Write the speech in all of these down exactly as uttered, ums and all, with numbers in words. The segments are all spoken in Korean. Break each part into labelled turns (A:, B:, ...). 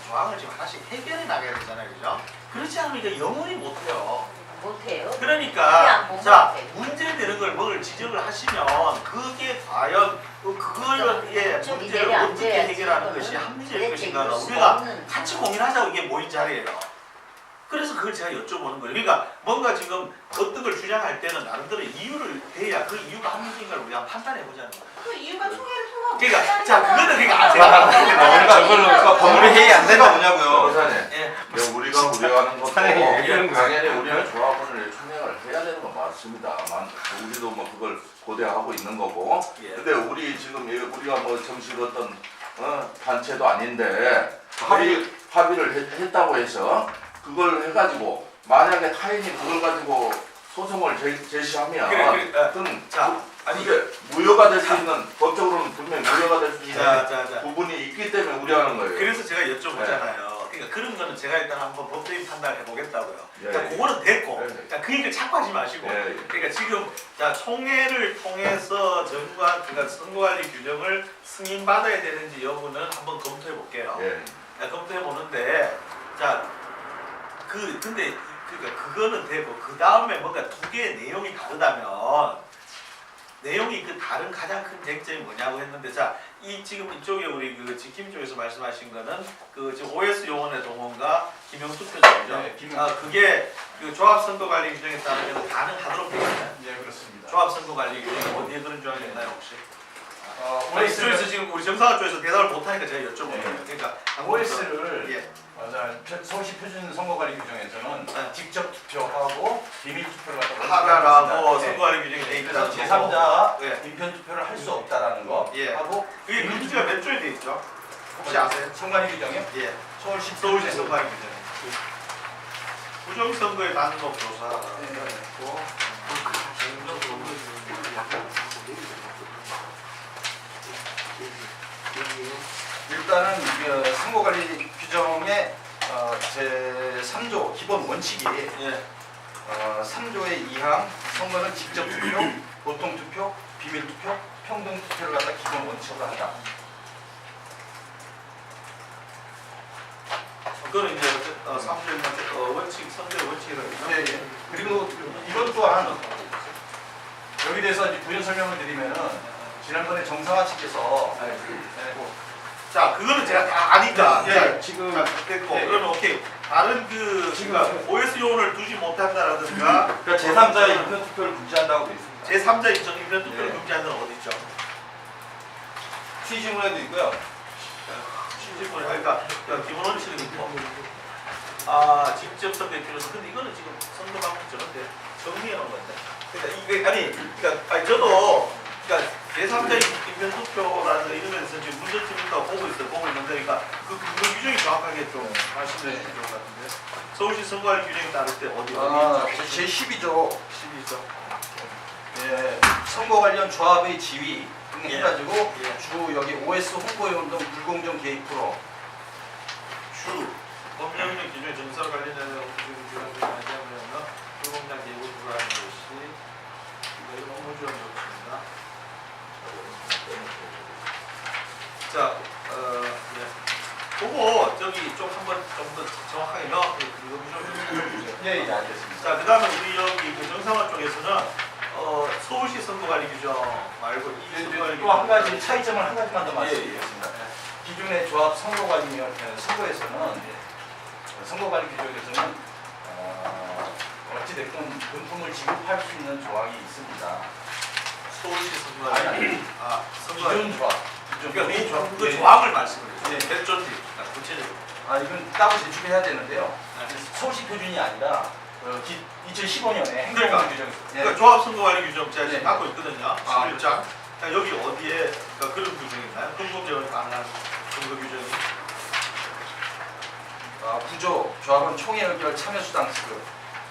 A: 조항을 지금 하나씩 해결해 나가야 되잖아요, 그죠? 그렇지 않으면 이거 영원히 못해요.
B: 못해요?
A: 그러니까 자 문제되는 걸 뭘 지적을 하시면 그게 과연 그걸 예 문제를 어떻게 해결하는 것이 합리적인 것인가 우리가 같이 고민하자고 이게 모인 자리예요. 그래서 그걸 제가 여쭤보는 거예요. 그러니까 뭔가 지금 어떤 걸 주장할 때는 나름대로 이유를 대야 그 이유가 합리적인가를 우리가 판단해 보자는 거예요.
B: 그 이유가 총회를 통하고
A: 그러니까 자 그거는 그러니까 제가
C: 그러니까 저걸로 그러니까 법률 회의 안 되가 뭐냐고요.
D: 사장님,
A: 예.
D: 우리가 우려하는 것도
C: 사장님 얘기하는 거예요.
D: 당연히 우리는 조합원을 총회를 해야 되는 건 맞습니다만 우리도 뭐 그걸 고대하고 있는 거고.
A: 예.
D: 근데 우리 지금 우리가 뭐 정식 어떤 어, 단체도 아닌데 합의 합의를 했, 했다고 해서 그걸 해가지고 만약에 타인이 그걸 가지고 소송을 제, 제시하면
A: 그래, 그래, 어.
D: 그건
A: 자 아니
D: 이게 무효가 될 수 있는 법적으로는 분명히 무효가 될 수 있는
A: 자, 자, 자.
D: 부분이 있기 때문에 우려하는 거예요.
A: 그래서 제가 여쭤보잖아요. 그러니까 그런 거는 제가 일단 한번 법적인 판단을 해보겠다고요.
D: 예,
A: 그러니까
D: 예.
A: 그거는 됐고,
D: 예, 예.
A: 그러니까 그 얘기를 자꾸 하지 마시고,
D: 예, 예.
A: 그러니까 지금 자 총회를 통해서 정관 그러니까 선거관리 규정을 승인 받아야 되는지 여부는 한번 검토해 볼게요.
D: 예.
A: 검토해 보는데, 자 그 근데 그러니까 그거는 되고 그 다음에 뭔가 두 개의 내용이 다르다면. 내용이 그 다른 가장 큰 쟁점이 뭐냐고 했는데 자 이 지금 이쪽에 우리 그 지킴 쪽에서 말씀하신 거는 그 지금 오에스 용원의 동원과 기명투표죠.
E: 네, 기명.
A: 아 그게 그 조합 선거 관리 규정에 따르면 가능하도록 되어 있나요?
E: 네, 그렇습니다.
A: 조합 선거 관리 규정이 어디에 그런 조항이 있나요 혹시?
E: 어,
A: 아니, 이쪽에서 지금 우리 정상화 쪽에서 대답을 못하니까 제가 여쭤본
E: 네.
A: 거예요. 그러니까
E: 오에스를
A: 예.
E: 서울시 표준 선거관리 규정에서는
A: 네.
E: 직접 투표하고 비밀 투표를
A: 하라라고
E: 네.
A: 선거 관리 규정이 돼
E: 그래서
A: 있다는
E: 제삼자가
A: 네.
E: 인편 투표를 할 수 없다라는 거
A: 예.
E: 하고
A: 그게 문제가 몇 조에 돼 있죠? 혹시 아세요?
E: 선관위 규정이요?
A: 예.
E: 서울시
A: 서울시 선거관리 규정. 부정선거의 단독 조사라고
E: 네.
A: 했고
E: 일단은 이 선거관리 규정의 어, 제삼 조 기본 원칙이
A: 예.
E: 어, 삼 조의 이 항 선거는 직접 투표, 보통 투표, 비밀 투표, 평등 투표를 갖다 기본 원칙으로 한다.
A: 그거는 이제 어, 삼 조의 어, 원칙, 선거의 원칙이라고
E: 예, 예. 그리고 이것 또한 여기 대해서 이제 부연 설명을 드리면은 지난번에 정상화 측에서 네, 뭐,
A: 자, 그거는 제가 다 아니까.
E: 예,
A: 자,
E: 지금
A: 자, 됐고.
E: 예, 예.
A: 그러면 오케이. 다른 그, 그러니까 오에스 요원을 두지 못한다라든가.
C: 그러니까 제삼자의 인편 투표를 금지한다고 돼 있습니다.
A: 제삼자 입장 인편 투표를
C: 예.
A: 금지하는 데는 어디 있죠?
C: 취지문에도 있고요.
A: 실질적으로 그러니까 기본 원칙은 있고. 아, 직접 선거에 필요해서. 근데 이거는 지금 선거 방법 저런데 정리해 놓은 건데. 그러니까 이게 아니, 그러니까 아니 저도 그러니까 제삼자 인편 투표라는 이런 면에서 지금 문제점이 있다고 보고 있어요. 보고 있는데, 그러니까 그 근거 규정이 정확하게 좀 말씀해 주시면 좋을 것 같은데. 서울시 선거관리 규정에 따를 때 어디
E: 아,
A: 어디 있죠?
E: 제십이 조
A: 십이 조.
E: 예, 선거 관련 조합의 지위 등
A: 예.
E: 해가지고
A: 예.
E: 주 여기 오에스 홍보위원 등 불공정 개입으로
A: 주 법령령 기준의 정설 관련된 규정을 맞이하면 불공정 개입을 불허하는 것이 이거 업무지원 조치입니다. 자, 어, 네. 그거 저기 좀 한번 좀 더 정확하게 명확하게 그거 좀 해주세요.
E: 예, 예, 알겠습니다.
A: 자, 그다음에 우리 여기 그 정상화 쪽에서는 어, 서울시 선거관리 규정 말고 이 선거관리
E: 또 한 가지 차이점을 한 가지만 더
A: 예,
E: 말씀드리겠습니다. 기존의 조합 선거관리위원 선거에서는 선거관리 규정에서는 어, 어찌됐건 금품을 지급할 수 있는 조항이 있습니다.
A: 서울시 선거관리 아 선거관리
E: 기존 조합. 기존
A: 그러니까 이 조항, 그
E: 예.
A: 조항을 말씀을 해요.
E: 예.
A: 몇 조인지 구체적으로.
E: 아 이건 따로 제출해야 되는데요.
A: 네.
E: 서울시 표준이 아니라 어, 기, 이천십오 년에
A: 그러니까.
E: 행정부 규정.
A: 그러니까 조합 선거관리 규정 제가 지금
E: 네.
A: 갖고 있거든요.
E: 아,
A: 십일 장. 자, 여기 어디에 그러니까 그런 규정이 있나요? 흥국제원 가능한 선거 규정이.
E: 아, 구조 조합원 총회 의결 참여 수당 지급.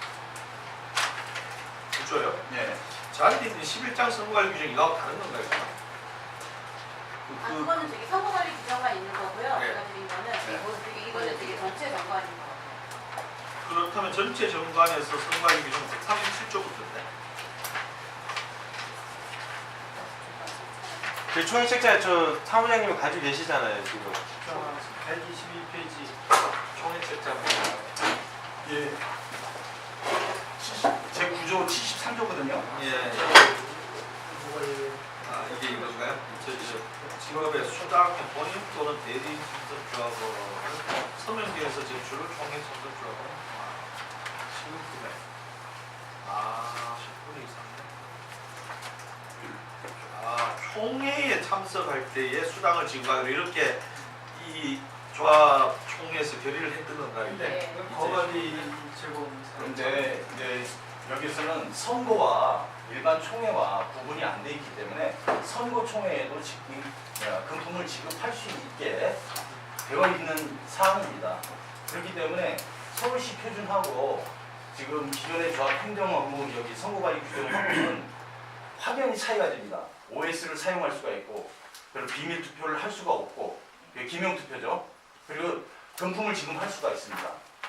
A: 구조요?
E: 예.
A: 자기들이 있는 십일 장 선거관리 규정이 이거하고 다른 건가요? 그,
B: 아,
A: 그,
B: 그거는 저기 선거관리 규정만 있는 거고요.
A: 네.
B: 제가 드린 거는
E: 네.
B: 이거 되게 이거는 되게 전체 정관인 거.
A: 그렇다면 전체 정관에서 선거관리 규정 백삼십칠 조부터인데.
C: 그 총회 책자 저 사무장님이 가지고 계시잖아요 지금.
E: 백이십이 페이지.
A: 총회 책자.
E: 예. 제 구조 칠십삼 조거든요.
A: 예. 아 이게 이건가요? 저, 저 직업의 수당 본인 또는 대리 참석주하고 서명기에서 제출 총회 참석주하고 시급 금액. 아 십 분 이상. 아 총회에 참석할 때에 수당을 지급하기로 이렇게 이 조합 총회에서 결의를 했던 건가요?
B: 네.
E: 거가리 제공. 그런데 이제 여기서는 선거와 일반 총회와 구분이 안 돼 있기 때문에 선거 총회에도 지금 금품을 지급할 수 있게 되어 있는 사항입니다. 그렇기 때문에 서울시 표준하고 지금 기존의 조합 행정하고 여기 선거관리 규정하고는 확연히 차이가 됩니다. 오에스를 사용할 수가 있고 그리고 비밀 투표를 할 수가 없고 기명 투표죠. 그리고 금품을 지급할 수가 있습니다.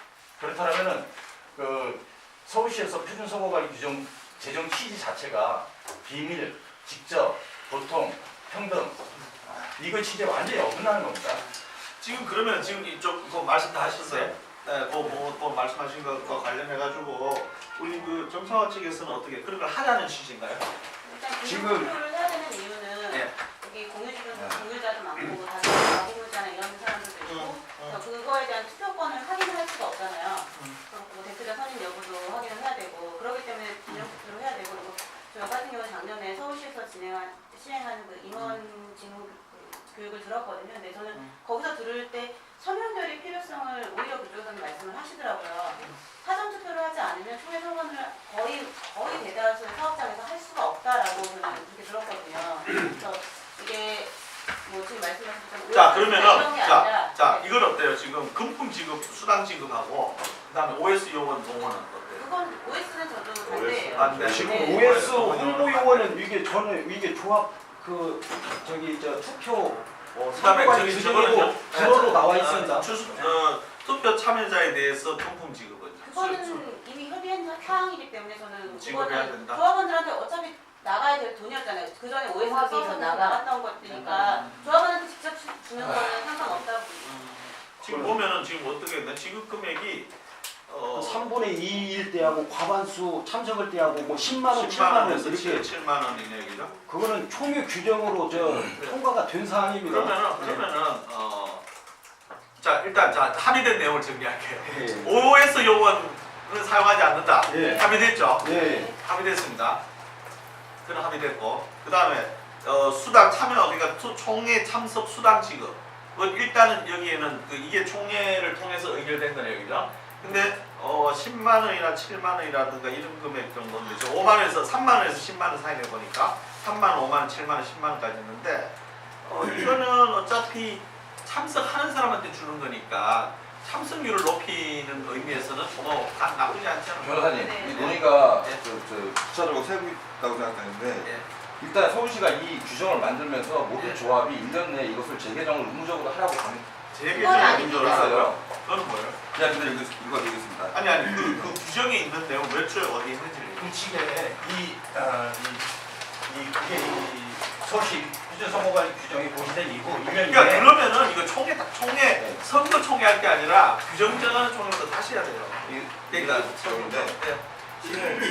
E: 그렇다면은 그 서울시에서 표준 선거관리 규정 제정 취지 자체가 비밀, 직접, 보통, 평등 이거 취지에 완전히 어긋나는 겁니다.
A: 지금 그러면 지금 이쪽 그 말씀 다 하셨어요? 네, 뭐, 뭐, 뭐 말씀하신 것과 관련해가지고 우리 그 정상화 측에서는 어떻게 그런 걸 하자는 취지인가요?
B: 일단
C: 지금-
B: 공유를 해야 되는 이유는
A: 네.
B: 여기 공유주도
C: 네.
B: 공유자도 많고 다른 가공유자나 이런 사람들도 있고
A: 응, 응.
B: 그래서 그거에 대한 투표권을 확인할 수가 없잖아요.
A: 음.
B: 그리고 대표자 선임 여부도 확인을 해야 되고 그렇기 때문에 기념 투표를 해야 되고 그리고 저 같은 경우는 작년에 서울시에서 진행한 시행하는 그 임원 직무 교육을 들었거든요. 근데 저는
A: 음.
B: 거기서 들을 때 서명결의 필요성을 오히려 그쪽에서는 말씀을 하시더라고요. 사전 투표를 하지 않으면 총회 선거를 거의 거의 대다수의 사업장에서 할 수가 없다라고 저는 그렇게 들었거든요. 그래서 이게 뭐 지금 말씀하신 것처럼
A: 자
B: 이런
A: 그러면은
B: 게
A: 자,
B: 아니라
A: 자
B: 네.
A: 이건 어때요? 지금 금품 지급, 수당 지급하고 그다음에 오에스 요원 동원은 어때요?
B: 그건 오에스는 저도 반대예요.
A: 안 돼.
C: 지금
B: 네.
C: 오에스 홍보 요원은 이게 저는 이게 조합 그 저기 저 투표 어,
A: 그다음에
C: 선거관리
A: 저기
C: 규정이고
A: 저거는요?
C: 불어로 나와
A: 어,
C: 있습니다.
A: 추수, 어, 투표 참여자에 대해서 금품 지급은
B: 그거는 이미 협의한 사항이기 때문에 저는
A: 지급해야
B: 그거는
A: 된다.
B: 조합원들한테 어차피 나가야 될 돈이었잖아요. 그 전에 오에스
F: 조합에서
B: 써서
F: 나가.
B: 나갔던 것들이니까 조합원한테 직접 주- 주는 거는 상관없다고.
A: 음, 지금 보면은 지금 어떻게 했나? 지급 금액이 어,
G: 삼분의 이일 때하고 과반수 참석을 때하고 뭐 십만 원,
A: 십만
G: 칠만 원
A: 원에서
G: 이렇게
A: 칠만 원이네 얘기죠.
G: 그거는 총회 규정으로 저 통과가 된 사항입니다.
A: 그러면은 그러면은 어, 자 일단 자 합의된 내용을 정리할게요.
G: 예.
A: 오에스 요원은 사용하지 않는다.
G: 예.
A: 합의됐죠?
G: 예.
A: 합의됐습니다. 그는 합의됐고 그 다음에 어, 수당 참여 그러니까 투- 총회 참석 수당 지급. 그 일단은 여기에는 그 이게 총회를 통해서 의결된 거네요, 그죠? 근데 어, 십만 원이나 칠만 원이라든가 이런 금액 정도인데 저 오만 원에서 삼만 원에서 십만 원 사이 내 보니까 삼만 원, 오만 원, 칠만 원, 십만 원까지 있는데 어, 이거는 어차피 참석하는 사람한테 주는 거니까 참석률을 높이는 의미에서는 뭐 나- 나쁘지 않지 않아요.
C: 변호사님,
B: 네.
C: 이 논의가
A: 네.
C: 저, 저 구체적으로 세고 있다고 생각하는데
A: 예.
C: 일단 서울시가 이 규정을 만들면서 모든
A: 네.
C: 조합이 일 년 내에 이것을 재개정을 의무적으로 하라고 강-
A: 제게
B: 그건
A: 좀
B: 아닙니다.
A: 힘들어요.
C: 했어요.
A: 그건 뭐예요?
C: 그냥 그대로 읽, 읽어드리겠습니다.
A: 아니 아니 그, 그 규정에 있는 내용 몇 초에 어디 있는지를
E: 규칙에 이, 어, 이, 이, 그게 이 서울시 표준선거관리 규정이 고시된 이후 일 년
A: 그러니까
E: 이내
A: 그러면은 이거 총회 딱 총회 선거 총회 할 게 아니라 규정 정하는 총회부터 다시 해야 돼요.
C: 이-
A: 그러니까
C: 규정인데
A: 네.
C: 시는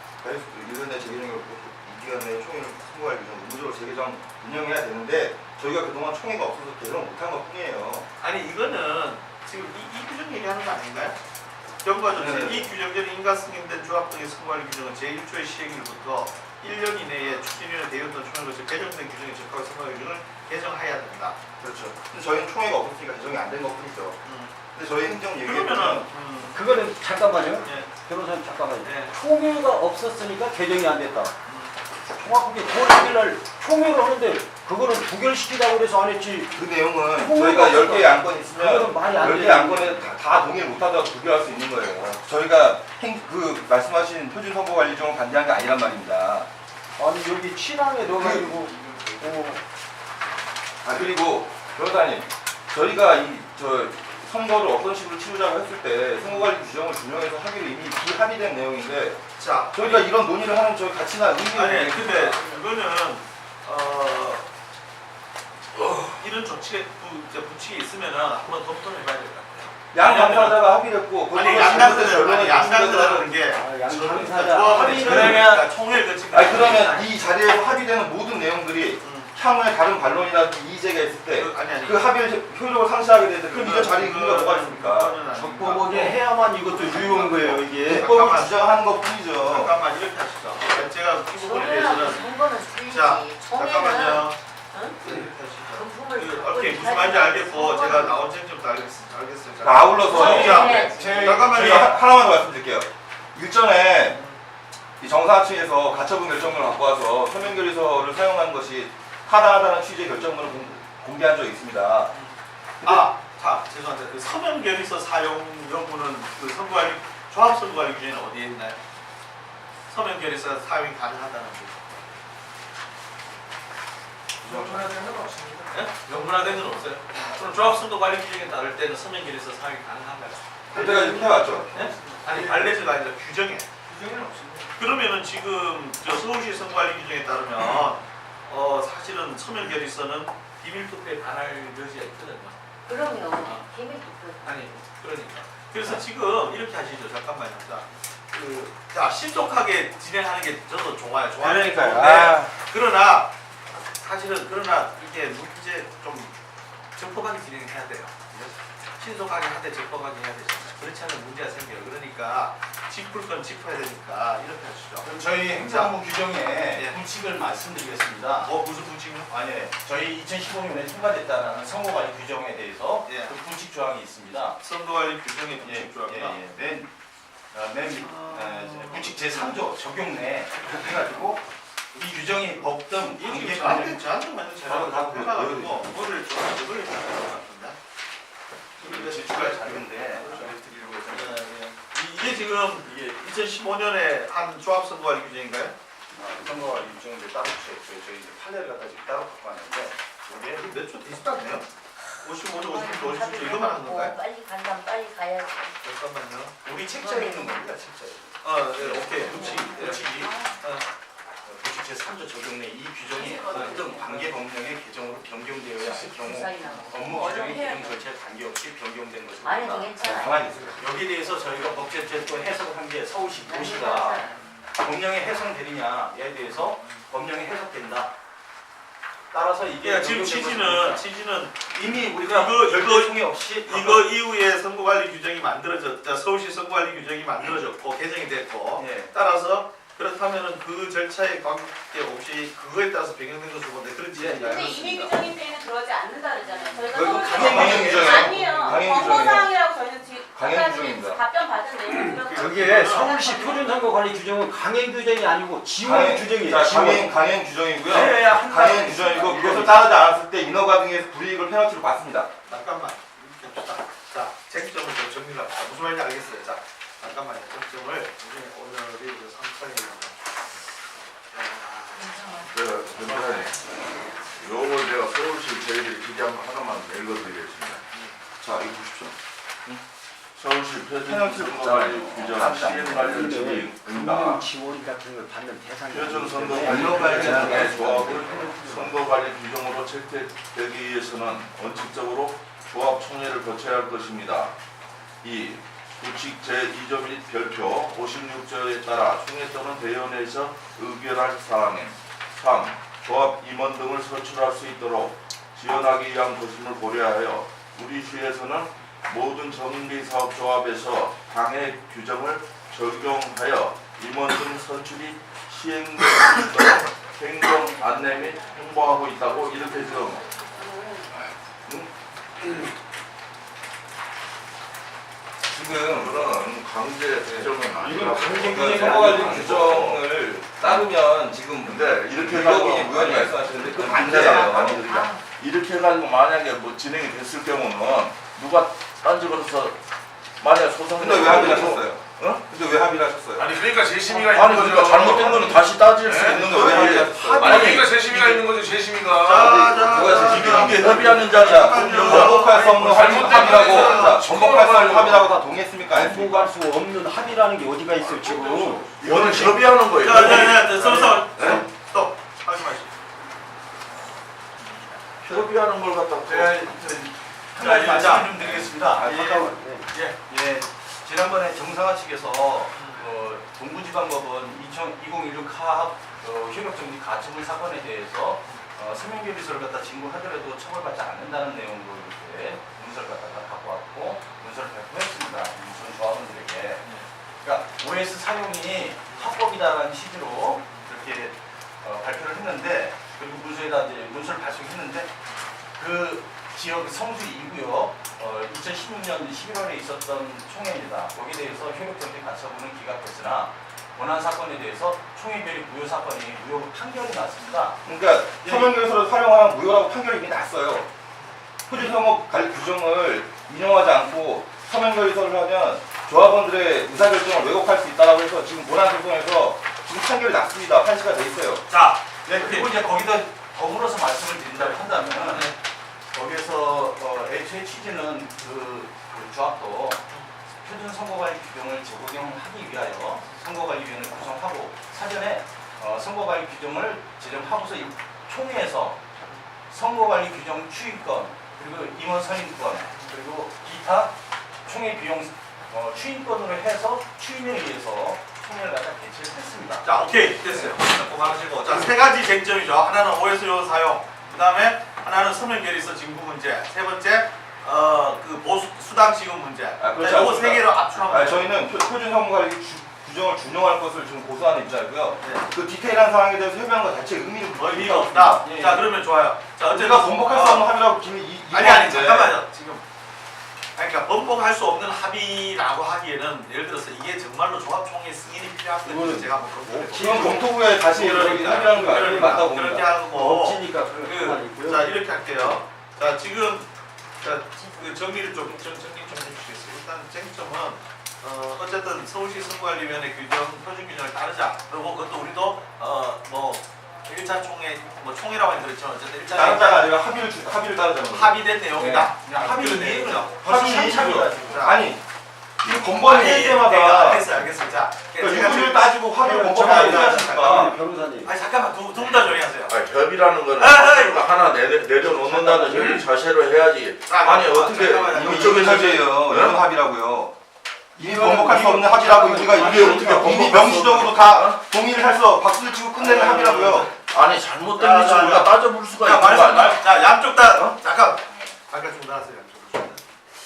C: 일 년 내 재개정을 이 기간 내에 총회를 선거할 규정 의무적으로 재개정 운영해야 되는데 저희가 그동안 총회가 없어서 개정을 못한 것 뿐이에요.
A: 아니 이거는 지금 이, 이 규정 얘기하는 거 아닌가요? 경과조치
C: 네.
A: 이 규정대로 인가 승인된 조합 등의 선거관리 규정은 제일 초의 시행일부터 일 년 이내에 추진위원회 대의원단 총회를 거쳐 개정된 규정에 적합한 선거관리 규정을 개정해야 된다.
C: 그렇죠. 근데 저희는 총회가 없었으니까 개정이 안 된 것 뿐이죠.
A: 음.
C: 근데 저희 행정 얘기에
A: 그러면은
C: 보면
A: 음,
G: 그거는 잠깐만요.
A: 예,
G: 변호사님 잠깐만요.
A: 예.
G: 총회가 없었으니까 개정이 안 됐다.
A: 음.
G: 정확하게 구월 일 날 총회를 하는데 그거는 부결시키라고 그래서 안 했지.
C: 그 내용은
G: 총회가
C: 저희가
G: 없어서
C: 열 개의 안건이 있으면
G: 그거는 말이 안
C: 열 개의
G: 돼요.
C: 안건에 다, 다 동의를 못하다가 부결할 수 있는 거예요. 저희가 행, 그 말씀하신 표준선거관리정을 반대한 게 아니란 말입니다.
G: 아니 여기 친항에 넣어가지고 어,
C: 아 그리고 변호사님 저희가 이 저 선거를 어떤 식으로 치르자고 했을 때 선거관리 규정을 준용해서 하기로 이미 비합의된 내용인데
A: 자
C: 저희가 이런 논의를 하는 저희 가치나 의미는
A: 아니
C: 모르겠습니다.
A: 근데 이거는 어, 어, 이런 조치에 부, 이제 부칙이 있으면은 한번 검토를 해봐야 될 것 같아요.
C: 양 당사자가 합의했고 그
A: 아니
C: 부분을
A: 양당사자
C: 결론을
A: 아니 양당사자라는
C: 내리는
A: 게
G: 아, 양
A: 저는
G: 당사자
A: 조합을
G: 합의는-
A: 그러면 총회를 거친
C: 아니 그러면 이 자리에서 합의되는 모든 내용들이
A: 음.
C: 향후에 다른 반론이라든지 이의제가 있을 때
A: 그, 아니 아니
C: 그 합의를 효력을 상실하게 되는데 그럼 이전 자리에 의미가 뭐가 있습니까?
G: 적법하게 해야만 이것도 유효한 거예요 이게.
C: 법을
A: 잠깐만.
C: 주장하는 것 뿐이죠.
A: 잠깐만 이렇게 하시죠. 제가 이 부분에
F: 총회하고
A: 대해서는
F: 선거는 틀리지.
A: 자
F: 총회는
A: 잠깐만요.
F: 응?
A: 이렇게 하시죠.
F: 금품을
A: 그
F: 갖고
A: 어떻게 무슨 말인지 알겠고 제가 나온 쟁점도 알겠- 알겠어요.
C: 자, 아울러서
F: 네.
A: 자,
F: 네.
C: 저희
A: 잠깐만요.
C: 하- 하나만 더 말씀드릴게요. 일전에 이 정사층에서 가처분 결정문을 갖고 와서 서면결의서를 사용한 것이 타당하다는 취지의 결정문을 공, 공개한 적이 있습니다.
A: 아, 자, 죄송합니다. 그 서면 결의서 사용 여부는 그 선거관리 조합 선거관리 규정에는 어디에 있나요? 서면 결의서 사용이 가능하다는 거.
E: 명분화된 건 없습니다.
A: 예? 명분화된 건 없어요. 그럼 조합 선거관리 규정에 따를 때는 서면 결의서 사용이 가능한가요?
C: 그때가 이렇게 해왔죠.
A: 예? 아니 발레즈가 아니라 규정에.
E: 규정에는 없습니다.
A: 그러면은 지금 저 서울시 선거관리 규정에 따르면 어 사실은 서면 결의서는 비밀 투표에 반할 여지가 있거든요.
F: 그럼요. 비밀 투표.
A: 아니 그러니까 그래서 지금 이렇게 하시죠. 잠깐만요. 자, 그, 자 신속하게 진행하는 게 저도 좋아요. 좋아요.
G: 그러니까요.
A: 좋은데
G: 아.
A: 그러나 사실은 그러나 이게 문제 좀 적법하게 진행해야 돼요. 신속하게 하되 적법하게 해야 되잖아요. 그렇지 않으면 문제가 생겨요. 그러니까 짚을 건 짚어야 되니까 이렇게 하시죠.
E: 그럼 저희 행정부 규정에
A: 예.
E: 규칙을 말씀드리겠습니다.
A: 뭐 무슨 부칙이요?
E: 아니, 저희 이천십오 년에 통과됐다는 선거관리 규정에 대해서
A: 예.
E: 그 부칙 조항이 있습니다.
A: 선거관리 규정의
E: 예,
A: 부칙 조항이나
E: 예, 예. 맨, 어, 맨 밑, 어, 이제 부칙 제삼 조 적용 내에 그렇게 해가지고 이 규정이 법 등
A: 이게
E: 관계
A: 지금 저한테
E: 관련
A: 저한테 맞는 제가
C: 저는 다
A: 해가지고 뭐를 좀 이걸 해야 될것 같은데.
E: 이게 제출할 자료인데 저희 드리려고 해서
A: 예, 예. 이- 이게 지금 이게 이천십오 년에 한 조합 선거관리 규정인가요?
E: 어, 선거관리 규정인데 따로 저희, 저희, 저희 이제 판례를 갖다 지금 따로 갖고 왔는데 이게
A: 몇초 되지도 않네요. 오십오 조, 오십육 조, 오십칠 조 이거만 한 건가요?
F: 빨리 간다면 빨리 가야지.
A: 잠깐만요.
E: 우리 책자에 있는 겁니다. 책자에.
A: 어, 네, 오케이. 부칙. 예.
E: 부칙이
A: 어,
E: 부칙 제삼 조 적용 내 이 규정이 어떤 관계 법령의 개정으로 변경되어야 할 경우
F: 사이 나고.
E: 업무 규정의 규정 절차에 관계없이 변경된 것입니다.
F: 아니도 괜찮아요.
C: 가만히 있어요.
E: 여기에 대해서 저희가 법제처에 또 해석을 한 게 서울시 도시가 법령에 해석되느냐에 대해서 법령에 해석된다. 따라서 이게
A: 예, 지금
E: 변경된
A: 취지는
E: 것입니다.
A: 취지는
E: 이미 우리가
A: 이거-
E: 별도
A: 이거-
E: 총회 없이
A: 이거 이후에 선거관리 규정이 만들어졌, 자, 서울시 선거관리 규정이 만들어졌고 개정이 됐고
E: 예.
A: 따라서 그렇다면은 그 절차에 관계없이 그거에 따라서 변경된 것으로 보는데 그런 지적이
B: 근데 이미 규정인 때에는 그러지 않는다 그랬잖아요. 저희가
C: 그건
B: 서울시
C: 강행
B: 선거관리
C: 규정이에요.
B: 아니에요.
C: 강행
B: 권고사항이라고 저희는 지금
C: 강행
B: 아까
C: 규정입니다.
B: 답변 받은 내용
G: 그게 서울시 표준선거관리 규정은 강행 규정이 아니고 지원
C: 강행,
G: 규정이에요.
C: 자,
G: 지원.
C: 강행, 강행 규정이고요.
E: 네, 한
C: 강행
E: 가지
C: 규정이고
E: 있습니다.
C: 그것을 따르지 않았을 때 인허가 등에서 불이익을 페널티로 받습니다.
A: 잠깐만 이렇게 합시다. 자, 쟁점을 좀 정리를 합시다. 무슨 말인지 알겠어요. 자, 잠깐만요. 쟁점을 우리 오늘이 그 삼 차례입니다.
D: 그 변호사님, 요걸 제가 서울시 저희들이 기재한 거 하나만 읽어드리겠습니다.
C: 자, 이거 보십시오.
D: 서울시 표준선거관리 규정 시행 관련 지침입니다.
G: 금융 지원 같은 걸 받는 대상이
D: 표준선거관리 제한의 조합을 선거관리 규정으로 채택되기 위해서는 원칙적으로 조합 총회를 거쳐야 할 것입니다. 이 부칙 제이 조 및 별표 오십육 조에 따라 총회 또는 대의원회에서 의결할 사항엔 삼. 조합 임원 등을 선출할 수 있도록 지원하기 위한 것임을 고려하여 우리 시에서는 모든 정비사업조합에서 당해 규정을 적용하여 임원 등 선출이 시행될 수 있도록 행정 안내 및 홍보하고 있다고 이렇게 지금 응?
C: 지금
D: 그런 강제 규정은 아니라고.
G: 이건 강제
C: 그
G: 규정이
C: 선거관리
G: 아니고
C: 규정을 따르면 지금
D: 근데 이렇게
C: 불법이
D: 해가지고
C: 무효하게
D: 만약에
C: 말씀하시는데 그건
D: 안
C: 안
D: 돼요.
C: 돼요.
D: 아니 그러니까 이렇게 해가지고 만약에 뭐 진행이 됐을 경우는 누가 딴지로서 만약 소송
C: 근데 왜 합의를 하셨어요?
D: 어?
C: 근데 왜 합의를 하셨어요?
H: 아니 그러니까 재심의가
D: 아니
H: 있는
D: 그러니까
H: 거죠.
D: 잘못된 거는 다시 따질 수
H: 네?
D: 있는
C: 근데 왜
D: 거예요.
C: 합의를 하셨어요?
H: 아니 그러니까 재심의가 있는 거죠. 재심의가.
A: 자, 자,
C: 누가
A: 자,
C: 지금
A: 자.
D: 이게 협의하는 자리야.
A: 잠깐만요.
C: 번복할 수 없는
H: 잘못된
C: 합의라고
H: 거는
C: 자, 번복할 수 없는
H: 지금
C: 합의라고 다 동의했습니까? 안 했습니까?
G: 공부할 수 없는 합의라는 게 어디가 있어요 지금.
D: 이거는 협의하는 거예요.
A: 자, 자, 자, 자, 서로 서로
D: 네?
A: 스톱. 하지 마시고.
D: 협의하는 걸 갖다
E: 제가 저, 한 가지
A: 자,
E: 말씀을 좀 드리겠습니다.
G: 아,
E: 예,
G: 잠깐만. 네.
E: 예, 지난번에 정상화 측에서 어, 동부지방법원 이천십육 카합 어, 효력정지 가처분 사건에 대해서 어, 서명결의서를 갖다 진구하더라도 처벌받지 않는다는 내용으로 이렇게 문서를 갖다가 갖고 왔고 문서를 발표했습니다. 전 조합원들에게. 그러니까 오에스 사용이 합법이다라는 취지로 이렇게 어, 발표를 했는데 그리고 문서에다 이제 문서를 발송했는데 그 지역 성수 이 구역 어, 이천십육 년 십일월에 있었던 총회입니다. 거기에 대해서 효력정지 가처분은 기각됐으나 원안 사건에 대해서 총회결의 무효 사건이 무효 판결이 났습니다.
C: 그러니까
E: 예.
C: 서명결의서를 활용하면 무효라고 판결이 이미 났어요. 표준성업 관리 규정을 인용하지 않고 서명결의서를 하면 조합원들의 의사결정을 왜곡할 수 있다고 해서 지금 본안소송에서 지금 판결이 났습니다. 판시가 돼 있어요.
A: 자,
E: 네, 그리고 이제 거기다 더불어서 말씀을 드린다고 한다면 거기에서 어, 애초에 취지는 그, 그 조합도 표준 선거관리 규정을 적용하기 위하여 선거관리위원회를 구성하고 사전에 어, 선거관리 규정을 제정하고서 이 총회에서 선거관리 규정 추인권 그리고 임원 선임권 그리고 기타 총회 비용 어, 추인권으로 해서 추인에 의해서 총회를 갖다 개최를 했습니다.
A: 자, 오케이. 됐어요. 그만하시고. 자, 세 가지 쟁점이죠. 하나는 오에스 요원 사용, 그 다음에 하나는 서명결의서 진구 문제, 세 번째, 어, 그 보수, 수당 지급 문제.
C: 아, 그렇지
A: 자, 요거
C: 않습니다.
A: 세 개로 압축하면
C: 아니, 저희는 표, 표준선거관리 규- 규정을 준용할 것을 지금 고수하는 입장이고요.
A: 네.
C: 그 디테일한 사항에 대해서 협의한 것 자체 의미를
A: 뭐 의미가 없다.
E: 예, 예.
A: 자, 그러면 좋아요. 자, 어쨌든
C: 우리가 번복할 수 없는 합의라고 김이 이
A: 아니 아니
C: 이거인데.
A: 잠깐만요. 지금 아니, 그러니까 번복할 수 없는 합의라고 하기에는 예를 들어서 이게 정말로 조합총회 승인이 필요한 거죠.
G: 이거는
A: 제가 뭐 그런 거
C: 지금 검토부에 다시 여기 합의하는 거 맞다고
A: 그러니까
C: 봅니다.
A: 그렇게 하는 거.
G: 없으니까 그런 거
A: 그, 자 이렇게 할게요. 자 지금 자, 그 정리를 좀 정, 정리 좀 해주시겠어요? 일단 쟁점은 어, 어쨌든 서울시 선거관리위원회 규정 표준 규정을 따르자. 그리고 그것도 우리도 어뭐 일 차 총회 뭐 총회라고 하긴 그렇지만 어쨌든 일 차
C: 따르자가 아니라 합의를 주- 합의를 따르자는 거죠.
A: 합의된 내용이다.
C: 네.
A: 합의된
E: 합의
A: 내용이죠.
C: 합의
A: 자,
C: 아니 이 번번이 할
A: 내가
C: 때마다
A: 알겠어요, 알겠어요. 자,
C: 그러니까 유무를 따지고 합의를
G: 저
C: 번번하지
A: 잠깐만요.
C: 않습니까?
G: 변호사님.
A: 아니 잠깐만 두 분 다 조용히 하세요.
D: 아니, 협의라는 거는
A: 아, 아,
D: 서로가 하나 내려, 내려놓는다는 협의 자세로 해야지.
A: 아,
D: 아니
A: 아,
D: 어떻게
A: 잠깐만요.
C: 이미
D: 이쪽에서
C: 이쪽에서 합의예요.
D: 네?
C: 이런 합의라고요. 이미 번복할 수 없는 합의라고 우리가
D: 이게
C: 이미
D: 어떻게 번복할
C: 이미
D: 수
C: 명시적으로
D: 없는-
C: 다 동의를 해서 박수를 치고 끝내는 합의라고요.
D: 아니 잘못된
A: 자,
D: 것을
A: 자,
D: 우리가
A: 자.
D: 따져볼 수가
A: 자,
D: 있는 거
A: 말씀,
D: 아니야?
A: 말, 자, 양쪽 다,
D: 어?
A: 잠깐, 잠깐 중단하세요, 양쪽으로 중단.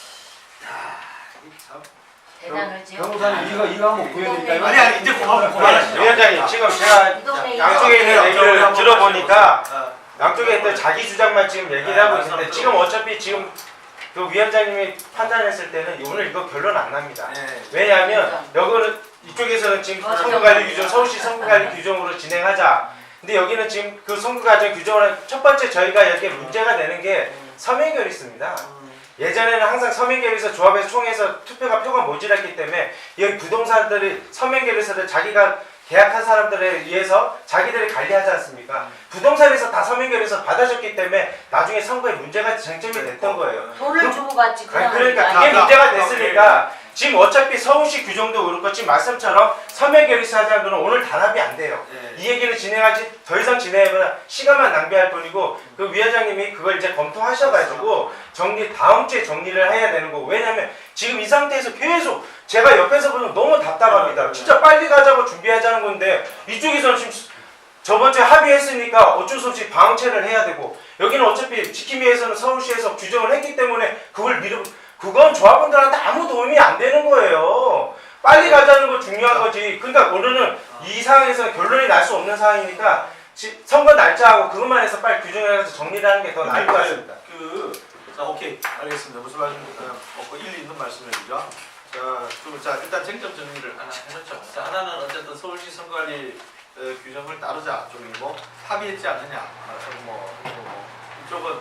A: 야, 이 참.
F: 대단을 지어.
G: 변호사님 이거 이거 한번 보여드릴까요?
A: 아니, 아니, 이제 그만, 그만하시죠.
I: 위원장님 지금 제가
F: 이 동네
I: 양쪽에 있는
A: 자,
I: 얘기를
A: 한번
I: 들어보니까
A: 어,
I: 양쪽에 있던 자기 주장만 지금 얘기를
A: 네,
I: 하고
A: 말씀
I: 있는데
A: 들어보세요.
I: 지금 어차피 지금 그 위원장님이 판단했을 때는 오늘 이거 결론 안 납니다.
A: 네.
I: 왜냐하면 여기는 이쪽에서는 지금
F: 맞아요.
I: 선거관리 규정, 서울시 선거관리 규정으로 진행하자. 근데 여기는 지금 그 선거과정 규정을 첫 번째 저희가 여기에 문제가 되는 게 서명결의서입니다. 예전에는 항상 서명결의서 조합에서 총회에서 투표가 표가 모자랐기 때문에 여기 부동산들이 서명결의서를 자기가 계약한 사람들에 의해서 자기들이 관리하지 않습니까? 부동산에서 다 서명결의서 받아줬기 때문에 나중에 선거에 문제가 쟁점이 됐던 거예요.
F: 돈을 주고 받지
I: 아니,
F: 그냥
I: 그러니까
A: 자,
I: 그게
A: 자,
I: 문제가
A: 자,
I: 됐으니까 지금 어차피 서울시 규정도 그렇고 지금 말씀처럼 서명결의서 하자는 거는 오늘 단합이 안 돼요.
A: 네.
I: 이 얘기를 진행하지 더 이상 진행해보면 시간만 낭비할 뿐이고 그 위원장님이 그걸 이제 검토하셔가지고 정리 다음 주에 정리를 해야 되는 거고 왜냐면 지금 이 상태에서 계속 제가 옆에서 보면 너무 답답합니다. 진짜 빨리 가자고 준비하자는 건데 이쪽에서는 지금 저번 주에 합의했으니까 어쩔 수 없이 방치를 해야 되고 여기는 어차피 지키기 위해서는 서울시에서 규정을 했기 때문에 그걸 미루 그건 조합원들한테 아무 도움이 안 되는 거예요. 빨리 가자는 거 중요한 거지. 그러니까 오늘은 이 상황에서 결론이 날 수 없는 상황이니까 지- 선거 날짜하고 그것만 해서 빨리 규정을 해서 정리를 하는 게 더 나을 것 같습니다.
A: 그, 자, 오케이. 알겠습니다. 무슨 말씀, 어, 뭐, 일리 있는 말씀이죠. 자, 그럼 자, 일단 쟁점 정리를 하나 해놓죠. 자, 하나는 어쨌든 서울시 선거관리 어, 규정을 따르자 쪽이고, 합의했지 않느냐. 아, 뭐, 뭐, 이쪽은,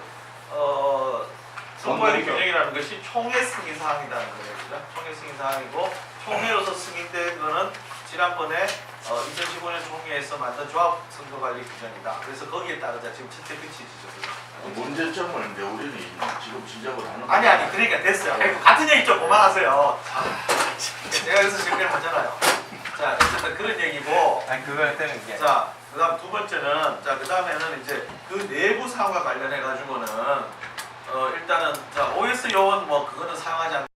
A: 어, 선거관리
C: 정말이죠.
A: 규정이라는 것이 총회 승인 사항이라는 거예요. 그죠? 총회 승인 사항이고, 총회로서 승인된 거는 지난번에 어, 이천십오 년 총회에서 만든 조합 선거관리 규정이다. 그래서 거기에 따르자 지금 첫째 끝이죠.
D: 문제점을 이제 우리는 지금 지적을 하는
A: 아니 아니 그러니까 됐어요. 아이고, 같은 얘기 좀 그만하세요. 자, 제가 여기서 정리를 하잖아요. 자 어쨌든 그런 얘기고
I: 아니 그걸 때는 게
A: 자 그다음 두 번째는 자 그다음에는 이제 그 내부 사항과 관련해 가지고는 어 일단은 자 오에스 요원 뭐 그거는 사용하지 않.